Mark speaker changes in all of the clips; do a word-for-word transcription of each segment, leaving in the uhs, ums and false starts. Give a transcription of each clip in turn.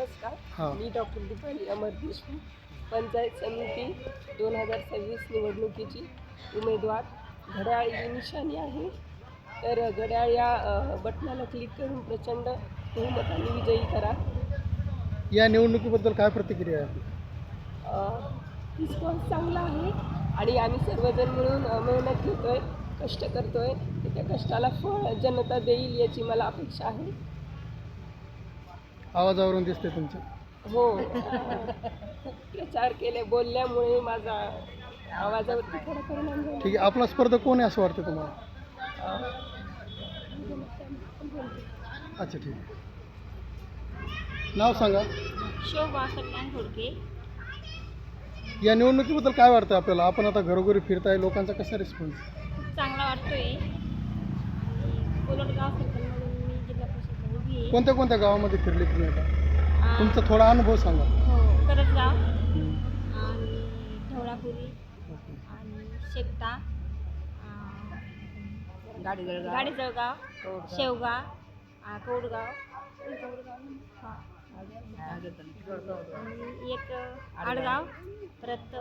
Speaker 1: नमस्कार, मी डॉक्टर दीपाली अमर देशमुख, पंचायत समिती दोन हजार सव्वीस निवडणुकीची उमेदवार. घड्याळ ही निशाणी आहे, तर घड्याळ या बटनाला क्लिक करून प्रचंड बहुमताने विजयी करा.
Speaker 2: या निवडणुकीबद्दल काय प्रतिक्रिया आहे?
Speaker 1: रिस्पॉन्स चांगला आहे आणि आम्ही सर्वजण मिळून मेहनत घेतोय, कष्ट करतोय, त्या कष्टाला फळ जनता देईल याची मला अपेक्षा आहे.
Speaker 2: आवाजावरून दिसते तुमच्या.
Speaker 1: हो, प्रचार केले बोलल्यामुळे माझा आवाजावरती थोडा परिणाम झाला.
Speaker 2: ठीक आहे, आपला स्पर्धक कोण आहे असं वाटतं तुम्हाला? अच्छा, ठीक आहे. नाव सांगा.
Speaker 3: शोभा कल्याण घोडके.
Speaker 2: या निवडणुकीबद्दल काय वाटतं आपल्याला? आपण आता घरोघरी फिरताय, लोकांचा कसा रिस्पॉन्स?
Speaker 3: खूप चांगला वाटतोय. कोलटगाव सर्कलमधून मी जिल्हा परिषद उभी आहे.
Speaker 2: कोणत्या कोणत्या गावामध्ये फिरले तुम्ही आता?
Speaker 3: आ,
Speaker 2: तुमचा थोडा अनुभव सांगा.
Speaker 3: हो, करजगाव आणि ढवळापुरी आणि शेकटा, गाडीजळगाव, गाडीजळगाव, शेवगा, आ, कौडगाव, हा. आणि एक आडगाव, परत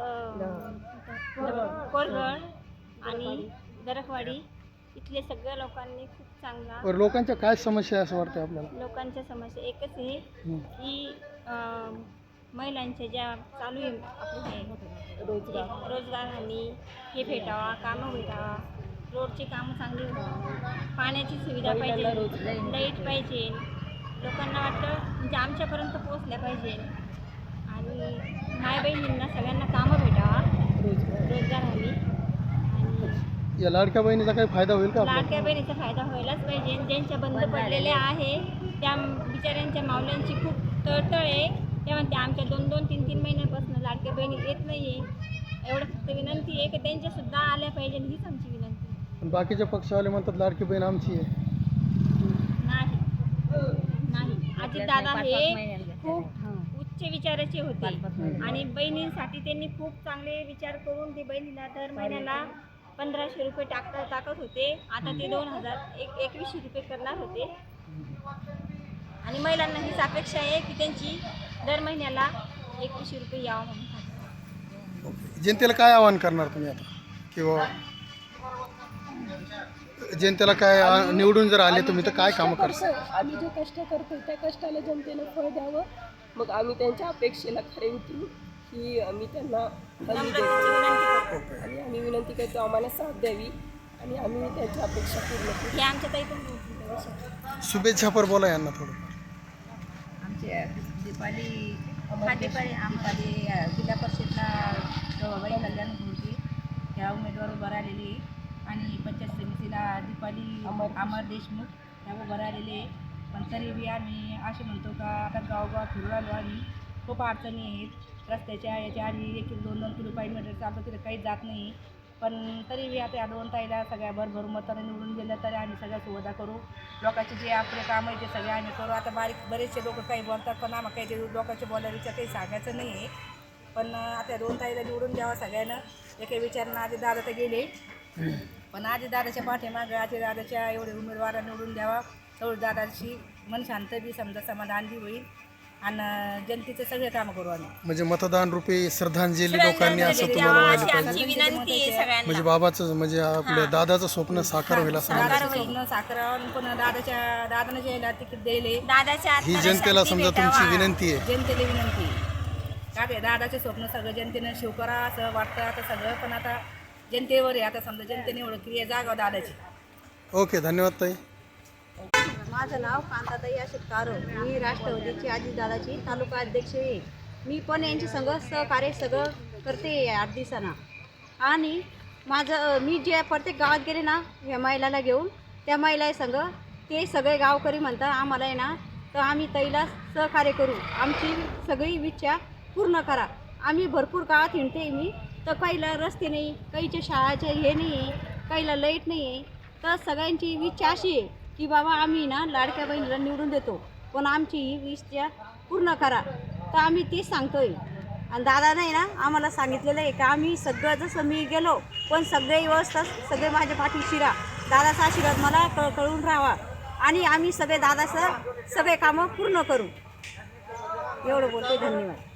Speaker 3: कोरगड आणि दरकवाडी. इथले सगळ्या लोकांनी खूप चांगला.
Speaker 2: बरं, लोकांच्या काय समस्या आहे असं वाटतं आपल्याला?
Speaker 3: लोकांच्या समस्या एकच आहे की अं, महिलांच्या ज्या चालू आहे आपले हे रोजगार रोजगार हमी हे भेटावा, कामं भेटावा, रोडची कामं चांगली व्हावी, पाण्याची सुविधा पाहिजे, लाईट पाहिजे. लोकांना वाटतं म्हणजे आमच्यापर्यंत पोहोचल्या पाहिजे आणि माय बहिणींना सगळ्यांना कामं भेटावा, रोजगार हमी. आणि
Speaker 2: या लाडक्या बहिणीचा काही फायदा होईल का आपल्याला?
Speaker 3: लाडक्या बहिणीचा फायदा व्हायलाच पाहिजे. ज्यांच्या बंद पडलेले आहे त्या बिचाऱ्यांच्या मावल्यांची खूप तळतळ आहे. त्या म्हणते आमच्या दोन दोन तीन तीन महिन्यापासून लाडक्या बहिणी येत नाही आहे. एवढं फक्त विनंती आहे की त्यांच्यासुद्धा आल्या पाहिजे, हीच आमची विनंती आहे.
Speaker 2: पण बाकीच्या पक्षवाले म्हणतात लाडकी बहीण आमची आहे.
Speaker 3: नाही नाही अजितदादा हे खूप उच्च विचाराचे होते आणि बहिणींसाठी त्यांनी खूप चांगले विचार करून ते बहिणीला दर महिन्याला पंधराशे रुपये टाकता टाकत होते. आता ते दोन हजार एक एकवीसशे रुपये करणार होते आणि महिलांना हीच अपेक्षा आहे की त्यांची दर महिन्याला एकवीसशे रुपये यावं म्हणून.
Speaker 2: जनतेला काय आवाहन करणार तुम्ही आता? किंवा जनतेला काय आ- निवडून जर आले तुम्ही तर काय कामं करता?
Speaker 1: आम्ही जे कष्ट करतो त्या कष्टाला जनतेनं फळ द्यावं, मग आम्ही त्यांच्या अपेक्षेला खरे उतरू ही आम्ही त्यांना हमी देतो आणि आम्ही विनंती करतो आम्हाला साथ द्यावी आणि आम्ही त्यांच्या अपेक्षा पूर्ण करू.
Speaker 3: हे आमच्या ताई पण
Speaker 2: शुभेच्छा पर बोला यांना थोडं.
Speaker 4: आमच्या दीपाली हा दीपाली आम्हाला जिल्हा परिषदला गवाबाई कल्याण घोडके ह्या उमेदवार उभं राहिलेली आणि पंचायत समितीला दीपाली
Speaker 1: अमर
Speaker 4: अमर देशमुख ह्या उभं राहिलेले. पण तरी बी आम्ही असे म्हणतो का आता गावगाव फिरून आलो आणि खूप अडचणी आहेत रस्त्याच्या याच्या आणि एक एक दोन दोन किलो किलोमीटर चालतो तिथे काही जात नाही. पण तरी बी आता या दोन ताईला सगळ्या भरभरून मताने निवडून दिलं तरी आम्ही सगळ्या सुविधा करू. लोकांचे जे आपले काम आहे ते सगळे आम्ही करू. आता बारीक बरेचसे लोक काही बोलतात पण आम्हाला काही ते लोकांच्या बोलायच्या काही सांगायचं नाही आहे. पण आता दोन ताईला निवडून द्यावा सगळ्यांना. एका विचारानं आधी दादा तर गेले पण आधी दादाच्या पाठीमागं आधी दादाच्या एवढे उमेदवार निवडून द्यावा. तेवढं दादाची मन शांत बी समजा समाधान बी होईल आणि जनतेचे सगळे कामं करू आम्ही.
Speaker 2: म्हणजे मतदान रूपी श्रद्धांजली लोकांनी असं तुम्हाला व्हायला पाहिजे.
Speaker 3: विनंती आहे सगळ्यांना.
Speaker 2: म्हणजे बाबाचं म्हणजे आपल्या दादाचं स्वप्न साकार होईल असं म्हणायचं.
Speaker 4: साकार स्वप्न साखरावून पण दादाच्या दादाने जे तिकीट द्यायले
Speaker 3: दादाच्या
Speaker 2: ही जनतेला समजा तुमची विनंती आहे.
Speaker 4: जनतेला विनंती का ते दादाचे स्वप्न सगळं जनतेनं शिव करा असं वाटतं आता सगळं. पण आता जनतेवर आहे. आता समजा जनतेने एवढं क्रिया जागाव दादाची.
Speaker 2: ओके, धन्यवाद ताई.
Speaker 5: माझं नाव कांताताई अशोक कारो. मी राष्ट्रवादीची अजितदादाची तालुका अध्यक्ष आहे. मी पण यांची संघ सहकार्य सगळं करते आठ दिवसांना. आणि माझं मी जे प्रत्येक गावात गेले ना ह्या महिलाला घेऊन त्या महिला संघ ते सगळे गावकरी म्हणतात आम्हाला आहे ना तर आम्ही ताईला सहकार्य करू, आमची सगळी इच्छा पूर्ण करा. आम्ही भरपूर गावात हिंडते मी तर काहीला रस्ते नाही, काहीच्या शाळाचे हे नाही आहे, काहीला लाईट नाही आहे. तर सगळ्यांची इच्छा अशी आहे की बाबा आम्ही ना लाडक्या बहिणीला निवडून देतो पण आमची ही इच्छा पूर्ण करा. तर आम्ही तेच सांगतो आहे. आणि दादा नाही ना आम्हाला सांगितलेलं आहे की आम्ही सगळं जसं मी गेलो पण सगळे व्यवस्था सगळे माझ्या पाठीशी राहा. दादाचा आशीर्वाद मला क कळून राहावा आणि आम्ही सगळे दादाचं सगळे कामं पूर्ण करू. एवढं बोलते. धन्यवाद.